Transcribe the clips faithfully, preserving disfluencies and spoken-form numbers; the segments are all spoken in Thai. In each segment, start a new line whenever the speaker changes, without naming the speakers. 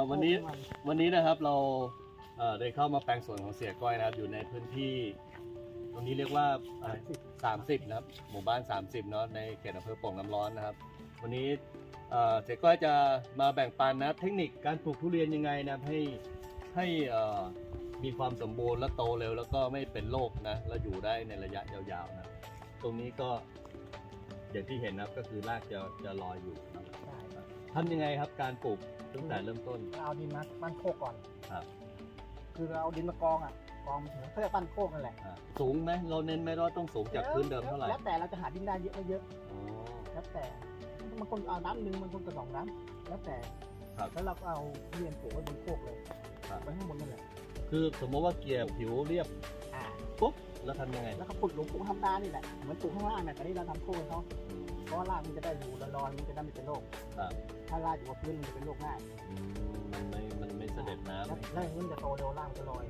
วันนี้วันนี้นะครับเราเอ่อได้เข้ามาแปลงสวนของเสียก้อยนะครับอยู่ในพื้นที่ตรงนี้เรียกว่าสามสิบนะครับหมู่บ้านสามสิบเนาะในเขตอำเภอโป่งน้ำร้อนนะครับวันนี้เอ่อเสียก้อยจะมาแบ่งปันนะเทคนิคการปลูกทุเรียนยังไงนะให้ให้เอ่อมีความสมบูรณ์และโตเร็วแล้วก็ไม่เป็นโรคนะแล้วอยู่ได้ในระยะยาวๆนะตรงนี้ก็อย่างที่เห็นนะครับก็คือรากจะจะลอยอยู่นะทำยังไงครับการปลูกตั้งแต่เริ่มต้น
เอาดินมาปั้นโคกก่อน
ครับ
คือเราเอาดินมากองอ่ะกองถึงเขาจะปั้นโคกนั่นแหละ
สูงไหมเราเน้นไหมว่าต้องสูงจากพื้นเดิมเท่าไหร่
แล้วแต่เราจะหาดินได้เยอะไม่เยอะแล้วแต่บางคนเอาน้ำหนึ่งบางคนก็สองน้ำแล้วแต่แล้วเราก็เอาเรียนปลูกไว้บนโคกเลยไปข้างบนนั่นแหละ
คือสมมติว่าเกลี่ยผิวเรียบปุ๊บแล้วทำยังไง
แล้วก็ขุดหลุมปลูกธรรมดานี่แหละเหมือนปลูกข้างล่างเนี่ยแต่นี่เราทำโคกให้เขาเพราะว่ารากมันจะได้อยู่ลอยๆมันจะได้ไม่เป็นโรคถ้ารากอยู่บนพื้นมันจะเป็นโรคง่าย
มันไม่มันไม่เสด็จน้ำ
แล้วมันจะโตเร็วรากจะลอย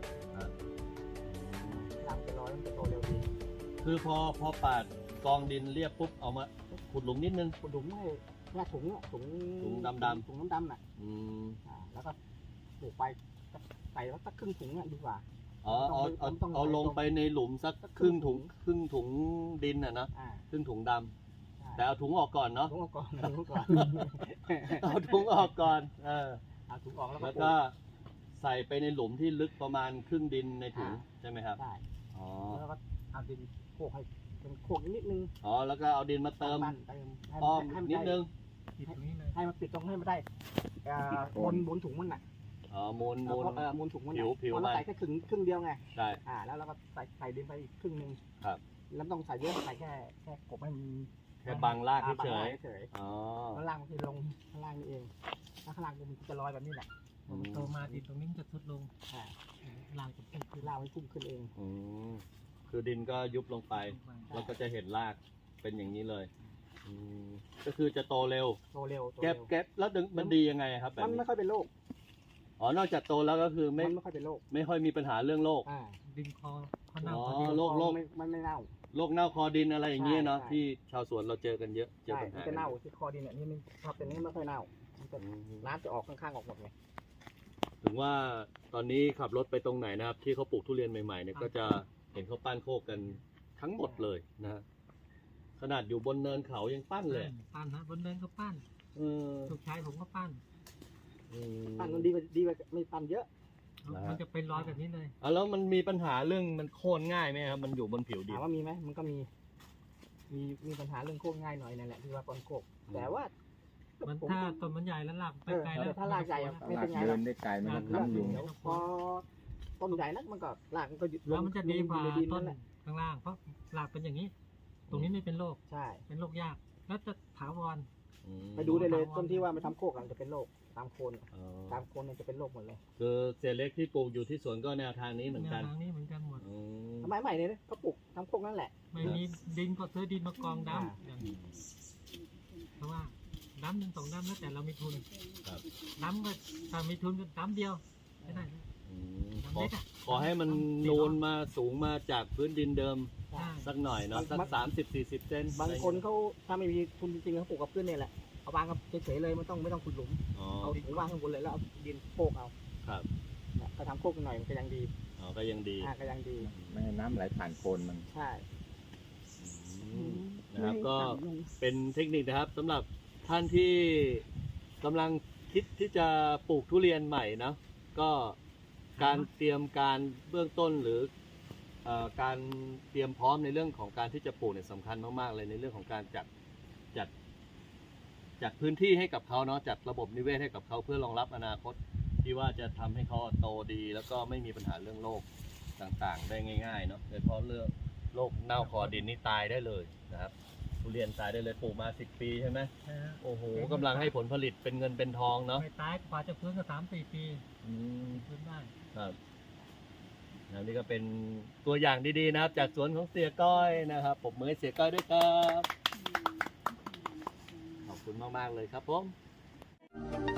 รากจะลอยมันจะโตเร็วดี
คือพอพอปาดกองดินเรียบปุ๊บเอามาขุดหลุมนิดนึง
ขุดหลุมให้แค่ถุงถุง
ถุงดำดำ
ถุงน้ำดำน่ะแล้วก็ปลูกไปใส่แล้วสักครึ่งถุงอ่ะดีกว่า
อ๋อเอาเอาเอาลงไปในหลุมสักครึ่งถุงครึ่งถุงดินอ่ะนะครึ่งถุงดำแต่เอาถุงออกก่อนเนาะ
ถุงออกก่อนถุงก่อน
เอาถุงออกก่อนเออ
เอาถุงออก
แล้วก็ใส่ไปในหลุมที่ลึกประมาณครึ่งดินในถุงใช่ไหมครับ
ใช่อ๋อแล้วก็เอาดินโขกให้เป็นโขกนิดนึง
อ๋อแล้วก็เอาดินมาเติมอ้อมนิดนึง
ให้มันปิดตรงให้มันได้บนบนถุงมันน่ะ
อ๋อมูลมูล
เออมูลถุงมัน
ผิวผิว
เราใส่แค่ครึ่งครึ่งเดียวไง
ใช่
อ่าแล้วเราก็ใส่ใส่ดินไปอีกครึ่งนึง
ครับ
แล้วต้องใส่เยอะใส่แค่แค่กบให้มัน
แค่บังรากเฉย
อ๋อข้างล่างมันจะลงข้างล่างนี่เองถ้าข้างล่างมันจะลอยแบบนี้แหละ
มันโตมาดินตรงนี้จะทุดลง
อ่า
ล่างจะพุ่งขึ้น
ล่างมันพุ่งขึ้นเอง
อืมคือดินก็ยุบลงไปแล้วก็จะเห็นรากเป็นอย่างนี้เลยอืมก็คือจะโตเร็ว
โตเร็ว
เก็บเก็บแล้วมันดียังไงครับแบบนี้
มันไม่ค่อยเป็นโรค
อ๋อนอกจากโตแล้วก็คือไม่
ไม่ค่อยเป็นโรค
ไม่ค่อยมีปัญหาเรื่องโรค
ดินคอเขาเน่า
อ๋อโรคโรค
มันไม่เน่า
โรคเน่าคอดินอะไรอย่างเงี้ยเนาะที่ชาวสวนเราเจอกันเยอะเจอปัญหา
จะเน่าที่คอดินเนี่ยนี่มันพอเป็นนี้ไม่ค่อยเน่าน้ำจะออกข้างๆออกหมดไง
ถึงว่าตอนนี้ขับรถไปตรงไหนนะครับที่เขาปลูกทุเรียนใหม่ๆเนี่ยก็จะเห็นเขาปั้นโคกกันทั้งหมดเลยนะขนาดอยู่บนเนินเขายังปั้นเลย
ปั้นนะบนเนินก็ปั้นถูกชายผมก็ปั้น
ปั้นมันดีกว่าดีกว่าไม่ปั้นเยอะ
มันจะเป็นรอยแบบนี้เลย
อ๋อแล้วมันมีปัญหาเรื่องมันโค่นง่ายไหมครับมันอยู่บนผิวดิน
ถามว่ามีไหมมันก็มีมีมีปัญหาเรื่องโค่นง่ายหน่อยนั่นแหละที่ว่าปนโคกแต่ว่า
มันถ้าต้นมันใหญ่แล้วหลักไปไกลแล้ว
ถ้ารากใหญ่ไม่เป็นไง
เดินได้ไกลมันก็ค้ำอยู่
พอต้นใหญ่นักมันก็รากมันก็
แล้วมันจะดีกว่าต้นข้างล่างเพราะรากเป็นอย่างนี้ ตรงนี้ไม่เป็นโรค
ใช่
เป็นโรคยากแล้วจะถาวร
ไปดูได้เลยต้นที่ว่ามันทำโคกมันจะเป็นโรคตามโคนตามโคนมันจะเป็นโรคหมดเลย
คือเศษเล็กที่ปลูกอยู่ที่สวนก็แนวทางนี้เหมือนกัน
แนวทางนี้เหมือนกันหมด
ทำไมใหม่เนี่ยเขาปลูกทำโคกนั่นแหละ
ไม่มีดินก็ซื้อดินมากองดำเพราะว่าดำหนึ่งสองดำแล้วแต่เรามีทุนดำก็ถ้ามีทุนก็ดำเดียวไม่ได้
ขอขอให้มันนูนมาสูงมาจากพื้นดินเดิมสักหน่อยเนาะสักสามสิบสี่สิบเซน
บางคนเขาถ้าไม่มีทุนจริงๆเขาปลูกกับพื้นเนี่ยแหละเอาวางกับเฉยๆเลยไม่ต้องไม่ต้องขุดหลุมเอาถุงวางข้างบนเลยแล้วเอาดินโคกเอา
ครับ
ก็ทำโคกหน่อยมันก็ยังดี
อ๋อก็ยังดี
อ่าก็ยังดี
ไม่ให้น้ำไหลผ่านโคนมัน
ใช่
นะครับก็เป็นเทคนิคนะครับสำหรับท่านที่กำลังคิดที่จะปลูกทุเรียนใหม่นะก็การเตรียมการเบื้องต้นหรือการเตรียมพร้อมในเรื่องของการที่จะปลูกเนี่ยสำคัญมากๆเลยในเรื่องของการจัดจัดจัดพื้นที่ให้กับเขาเนาะจัดระบบนิเวศให้กับเขาเพื่อรองรับอนาคตที่ว่าจะทำให้เขาโตดีแล้วก็ไม่มีปัญหาเรื่องโรคต่างๆได้ง่ายๆเนาะโดยเฉพาะเรื่องโรคเน่าคอดินนี่ตายได้เลยนะครับทุเรียนตายได้เลยปลูกมาสิบปีใช่ไหมโอ้โหกำลังให้ผลผลิตเป็นเงินเป็นทองเนาะ
ไม่ตายกว่าจะฟื้นก็สามสี่ปีฟื้นได้
ครับนี่ก็เป็นตัวอย่างดีๆนะครับจากสวนของเสียก้อยนะครับผมมือเสียก้อยด้วยครับขอบคุณมากๆเลยครับผม